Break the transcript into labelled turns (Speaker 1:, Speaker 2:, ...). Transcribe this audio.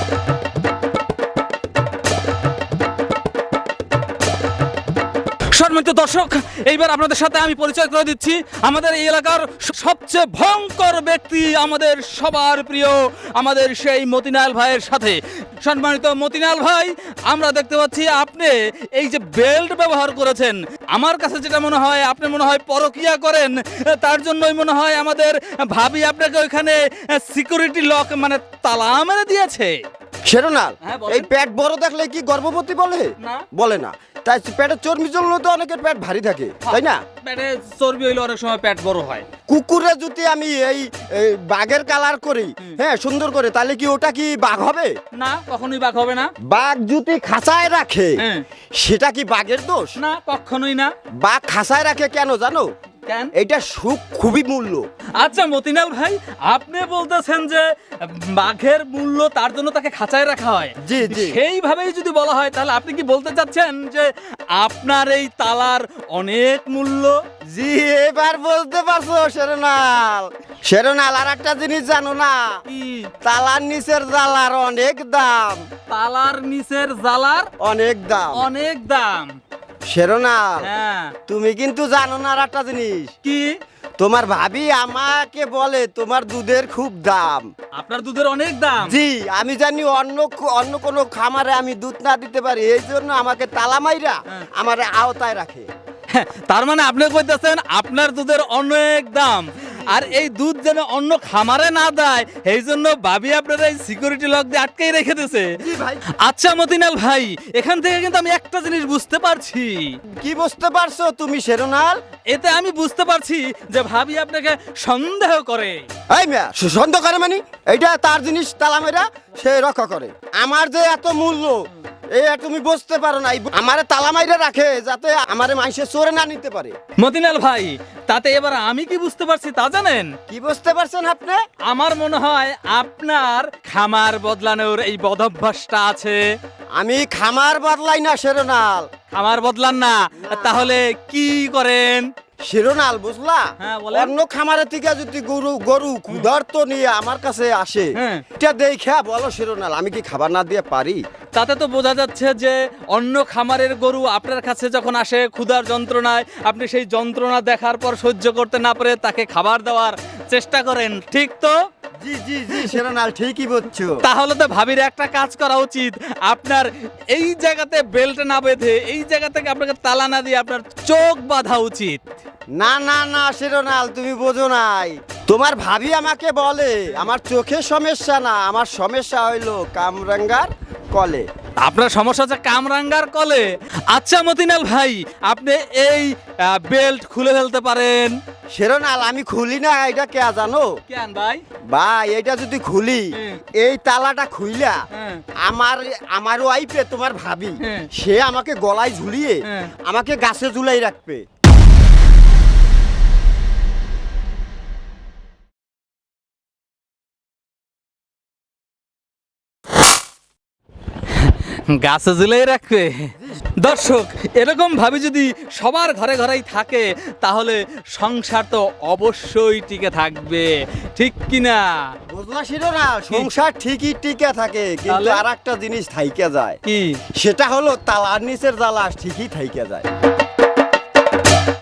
Speaker 1: সম্মানিত দর্শক, এইবার আপনাদের সাথে আমি পরিচয় করে দিচ্ছি আমাদের এই এলাকার সবচেয়ে ভয়ঙ্কর ব্যক্তি, আমাদের সবার প্রিয়, আমাদের সেই মতিনাল ভাইয়ের সাথে। সম্মানিত মতিনাল ভাই, আমরা দেখতে পাচ্ছি আপনি এই যে বেল্ট ব্যবহার করেছেন, আমার কাছে যেটা মনে হয় আপনি মনে হয় পরকিয়া করেন। তার জন্যই মনে হয় আমাদের ভাবি আপনাকে ওইখানে সিকিউরিটি লক মানে তালা মেরে দিয়েছে।
Speaker 2: শেরনাল,
Speaker 1: হ্যাঁ, বলেন।
Speaker 2: এই পেট বড় দেখলে কি গর্ভবতী বলে?
Speaker 1: না।
Speaker 2: বলে না। তাই পেটের চর্বি জমলে তো অনেকের পেট ভারী থাকে, তাই না?
Speaker 1: পেটে চর্বি হইলে অনেক সময় পেট বড় হয়।
Speaker 2: কুকুরে যদি আমি এই বাঘের কালার করি, হ্যাঁ সুন্দর করে, তাহলে কি ওটা কি বাঘ হবে?
Speaker 1: না, কখনোই বাঘ হবে না।
Speaker 2: বাঘ যদি খাঁচায় রাখে,
Speaker 1: হ্যাঁ।
Speaker 2: সেটা কি বাঘের দোষ?
Speaker 1: না, কখনোই না।
Speaker 2: বাঘ খাঁচায় রাখে কেন জানো?
Speaker 1: কেন?
Speaker 2: এটা সুখ খুবই মূল্য।
Speaker 1: আচ্ছা মতিনাল ভাই, আপনি বলতেছেন যে বাঘের মূল্য, তার জন্য তাকে খাঁচায় রাখা হয়।
Speaker 2: জি, জি।
Speaker 1: সেইভাবেই যদি বলা হয়, তাহলে আপনি কি বলতে চাচ্ছেন যে আপনার এই তালার অনেক মূল্য?
Speaker 2: জি, এবার বলতে পারছো শেরনাল। শেরনাল, আর একটা জিনিস জানো না?
Speaker 1: কি?
Speaker 2: তালার নিচের জালার অনেক দাম।
Speaker 1: তালার নিচের জালার
Speaker 2: অনেক দাম।
Speaker 1: অনেক দাম।
Speaker 2: শেরনাল,
Speaker 1: হ্যাঁ।
Speaker 2: তুমি কিন্তু জানো না আর একটা জিনিস।
Speaker 1: কি?
Speaker 2: তোমার ভাবি আমাকে বলে তোমার দুধের খুব দাম।
Speaker 1: আপনার দুধের অনেক দাম?
Speaker 2: জি, আমি জানি অন্য কোনো খামারে আমি দুধ না দিতে পারি, এই জন্য আমাকে তালা মাইরা আমার আওতায় রাখে।
Speaker 1: তার মানে আপনি কইতেছেন আপনার দুধের অনেক দাম, আর এই দুধ যেন অন্য খামারে না দেয়, এই জন্য ভাবি আপনারা এই সিকিউরিটি লক দিয়ে আটকেই রেখে দিয়েছে।
Speaker 2: জি ভাই।
Speaker 1: আচ্ছা মতিনাল ভাই, এখান থেকে কিন্তু আমি একটা জিনিস বুঝতে পারছি।
Speaker 2: কি বুঝতে পারছো তুমি শেরনাল?
Speaker 1: এতে আমি বুঝতে পারছি যে ভাবি আপনাকে সন্দেহ করে।
Speaker 2: এই মিয়া, সন্দেহ করে মানে? এইটা তার জিনিস, তালা মেরা সে রক্ষা করে। আমার যে এত মূল্য, তুমি বুঝতে পারো না। আমারে তালা মাইরা রাখে যাতে আমারে মাইসে চোরে না নিতে পারে।
Speaker 1: মতিনাল ভাই, তাতে এবার আমি কি বুঝতে পারছি তা জানেন?
Speaker 2: কি বুঝতে পারছেন আপনি?
Speaker 1: আমার মনে হয় আপনার খামার বদলানোর এই বদভ্যাসটা আছে।
Speaker 2: আমি খামার বদলাই না শেরনাল।
Speaker 1: খামার বদলান না, তাহলে কি করেন?
Speaker 2: শিরোনাল, বুঝলা?
Speaker 1: হ্যাঁ, বলেন।
Speaker 2: অন্য খামারের থেকে যদি গরু ক্ষুধার্ত নিয়ে আমার কাছে আসে,
Speaker 1: হ্যাঁ।
Speaker 2: এটা দেখে বলো শিরোনাল, আমি কি খাবার না দিয়ে পারি?
Speaker 1: তাতে তো বোঝা যাচ্ছে যে অন্য খামারের গরু আপনার কাছে যখন আসে ক্ষুধার যন্ত্রণায়, আপনি সেই যন্ত্রণা দেখার পর সহ্য করতে না পারে তাকে খাবার দেওয়ার চেষ্টা করেন, ঠিক তো?
Speaker 2: জি জি জি শিরোনাল, ঠিকই বলছো।
Speaker 1: তাহলে তো ভাবির একটা কাজ করা উচিত, আপনার এই জায়গাতে বেল্ট না বেঁধে, এই জায়গা থেকে আপনাকে তালা না দিয়ে আপনার চোখ বাঁধা উচিত।
Speaker 2: না না না শিরোনাল, তুমি বোঝো নাই। তোমার ভাবি আমাকে বলে আমার চোখের সমস্যা না, আমার সমস্যা হইলো কামরাঙ্গার কলে।
Speaker 1: আপনার সমস্যা হচ্ছে কামরাঙ্গার কলে। আচ্ছা মতিনাল ভাই, আপনি এই বেল্ট খুলে ফেলতে পারেন।
Speaker 2: শিরোনাল, আমি খুলি না, এটা কে জানো?
Speaker 1: কেন ভাই?
Speaker 2: ভাই, এটা যদি খুলি, এই তালাটা খুইলা আমার ওয়াইফে তোমার ভাবি, সে আমাকে গলায় ঝুলিয়ে আমাকে গাছে ঝুলাই রাখবে।
Speaker 1: গাছে ঝুলাই রাখবে? দর্শক, এরকম ভাবে যদি সবার ঘরে ঘরেই থাকে, তাহলে সংসার তো অবশ্যই টিকে থাকবে, ঠিক কিনা?
Speaker 2: বুঝলা শিরোনাল, সংসার ঠিকই টিকে থাকে, কিন্তু
Speaker 1: তাহলে?
Speaker 2: আর একটা জিনিস থাইকে যায়।
Speaker 1: কি?
Speaker 2: সেটা হলো তালার নিচের জ্বালা ঠিকই থাইকে যায়।